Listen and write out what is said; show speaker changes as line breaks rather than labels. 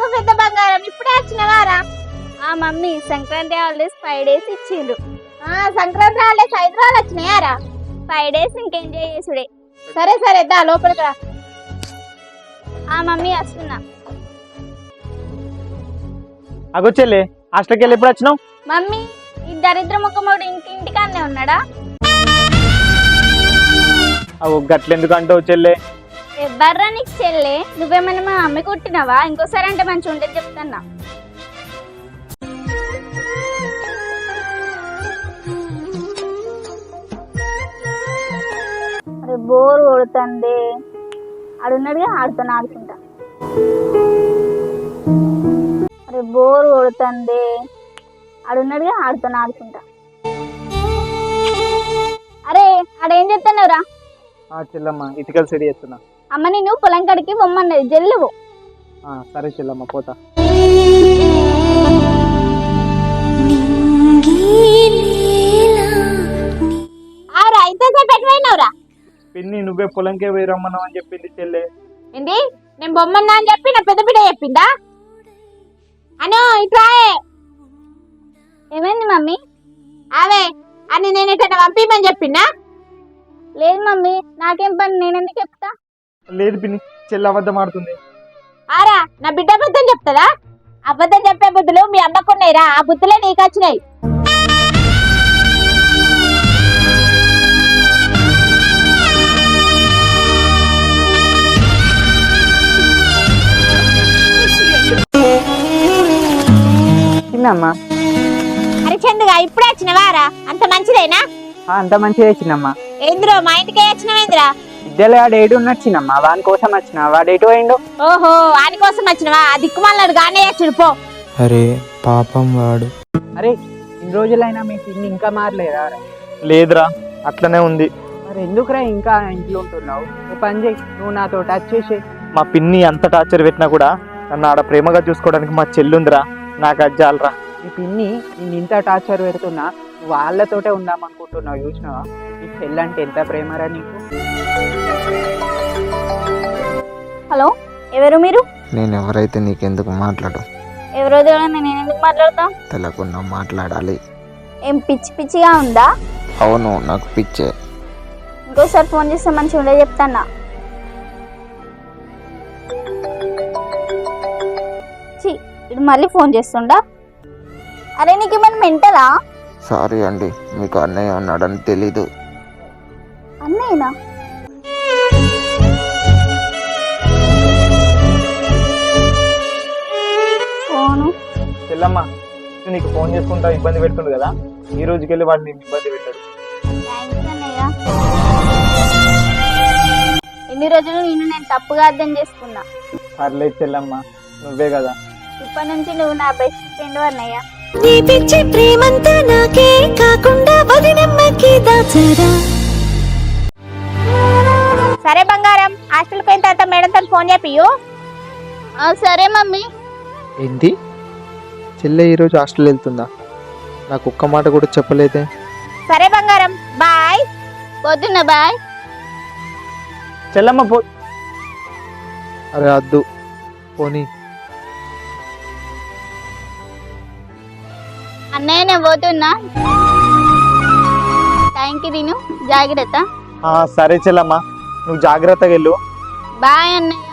పెద్ద బంగారం ఇప్పుడే వచ్చినవారా?
మమ్మీ సంక్రాంతి హాలిడేస్ 5 days ఇచ్చిండ్రు.
సంక్రాంతి హాలిడేస్ 5 రోజులు వచ్చినాయారా?
5 days ఇంకా ఎంజాయ్ చేసుడే.
సరే సరే దా లోపలికి రా.
మమ్మీ వస్తున్నా.
అగొచ్చెల్లే హాస్టల్కి వెళ్ళి ఎప్పుడు వచ్చినావు?
మమ్మీ ఈ దరిద్ర ముఖముడు ఇంటికాన్నే ఉన్నాడా?
అవు గట్లెందుకు అంటావు చెల్లె?
ఎవర్రా నీకు చెల్లె? నువ్వేమన్నా మా మమ్మీ కుట్టినావా? ఇంకోసారి అంటే మంచిగా ఉంటుంది చెప్తాన్నా. అరే బోర్ కొడుతుంది. ఆడున్నాడుగా ఆడుతో ఆడుకుంటా. అరే బోర్ కొడుతుంది. ఆడున్నాడుగా ఆడుతో ఆడుకుంటా. అరే ఆడేం చెప్తున్నావురా?
చెల్లమ్మ ఇటుకలు సెడి చేస్తున్నా.
అమ్మ నేను పొలం కడికి బొమ్మన్నది జల్లువు.
సరే చెల్లమ్మ పోతా.
పెట్టినవురా
పిన్ని నువ్వే పొలంకే పోయి రమ్మన్నావు అని చెప్పింది చెల్లె.
ఏంటి నేను బొమ్మన్నా అని చెప్పి నా పెద్ద బిడ్డ చెప్పిందా? అను ఇట్లా
ఏమైంది మమ్మీ?
అవే అని నేను ఇట్లా పంపిమని చెప్పిందా?
లేదు మమ్మీ నాకేం పని, నేను ఎందుకు చెప్తా?
లేదు పిన్ని చెల్లె అబద్ధం ఆడుతుంది.
ఆరా నా బిడ్డ అబద్ధం చెప్తుందా? అబద్ధం చెప్పే బుద్ధులు మీ అమ్మకున్నాయిరా, ఆ బుద్ధులే నీకు వచ్చినాయి.
చిన్నమ్మా
అరే చందుగా ఇప్పుడే వచ్చినవారా? అంత మంచిదేనా?
అంత మంచిగా వచ్చినమ్మా.
ఏంద్రో మా ఇంటికే వచ్చినవేంద్రా?
ఇద్దరు వాడు ఏడు ఉన్నచ్చినమ్మా, వాని కోసం వచ్చిన. వాడు ఎటు పోయిండు?
ఓహో వాని కోసం వచ్చినవా? ఆ దిక్కుమాలను గానే వచ్చిడు పో.
అరే పాపం వాడు.
అరే ఇన్ని రోజులైనా మీ పిన్ని ఇంకా మారలేదా?
లేదురా అట్లనే ఉంది.
మరి ఎందుకురా ఇంకా ఇంట్లో ఉంటున్నావు? నువ్వు పని చేయి, నువ్వు నాతో టచ్ చేసే.
మా పిన్ని అంత టార్చర్ పెట్టినా కూడా నన్ను ఆడ ప్రేమగా చూసుకోవడానికి మా చెల్లుందిరా. నాకు అజ్జాలరా.
ఈ పిన్ని నేను ఇంత టార్చర్ పెడుతున్నా వాళ్ళతోటే ఉందాం అనుకుంటున్నావు. చూసినావా నీ చెల్లంటే ఎంత ప్రేమరా నీకు?
హలో ఎవరు మీరు?
నేను ఎవరైతే నీకెందుకు మాట్లాడు?
ఎవరో తెలియదు నేను ఎందుకు మాట్లాడతా?
తెలకుండా మాట్లాడాలి.
ఏం పిచ్చి పిచ్చిగా ఉందా?
అవును నాకు పిచ్చే.
ఇంకోసారి ఫోన్ చేస్తే మంచిగా ఉండే చెప్తానా. ఇడు మళ్ళీ ఫోన్ చేస్తుండా? అరే నీకు ఏమైనా మెంటలా?
సారీ అండి, మీకు అన్నయ్య ఉన్నాడని తెలీదు.
అన్నయ్యనా? ఫోను
చెల్లమ్మ నీకు ఫోన్ చేసుకుంటా ఇబ్బంది పెడుతుండు కదా, ఈ రోజుకి వెళ్ళి వాడిని ఇబ్బంది పెట్టాడు.
థ్యాంక్స్ అన్నయ్య. ఇన్ని రోజులు నేను తప్పుగా అర్థం చేసుకున్నా.
పర్లేదు చెల్లమ్మ, నువ్వే కదా.
ఇప్పటి నుంచి నువ్వు నా బెస్ట్ ఫ్రెండ్ అన్నయ్య.
నీ పిచ్చి ప్రేమంతా నాకే కాకుండా వదినమ్మకి దాచరా.
సరే బంగారం హాస్టల్ పోయిన తర్వాత మేడంతో ఫోన్ చేపియు.
సరే మమ్మీ.
ఏంటి చెల్లె ఈరోజు హాస్టల్ వెళ్తుందా? నాకు ఒక్క మాట కూడా చెప్పలేదే.
సరే బంగారం బాయ్.
పొద్దున్న బాయ్.
చెల్లమ్మ పో.
అరే అద్దు పోనీ.
అన్నయ్య నేను పోతున్నా. Thank you. జాగ్రత్త.
సరే చెల్లమ్మ, నువ్వు జాగ్రత్తగా వెళ్ళు.
బాయ్ అన్నయ్య.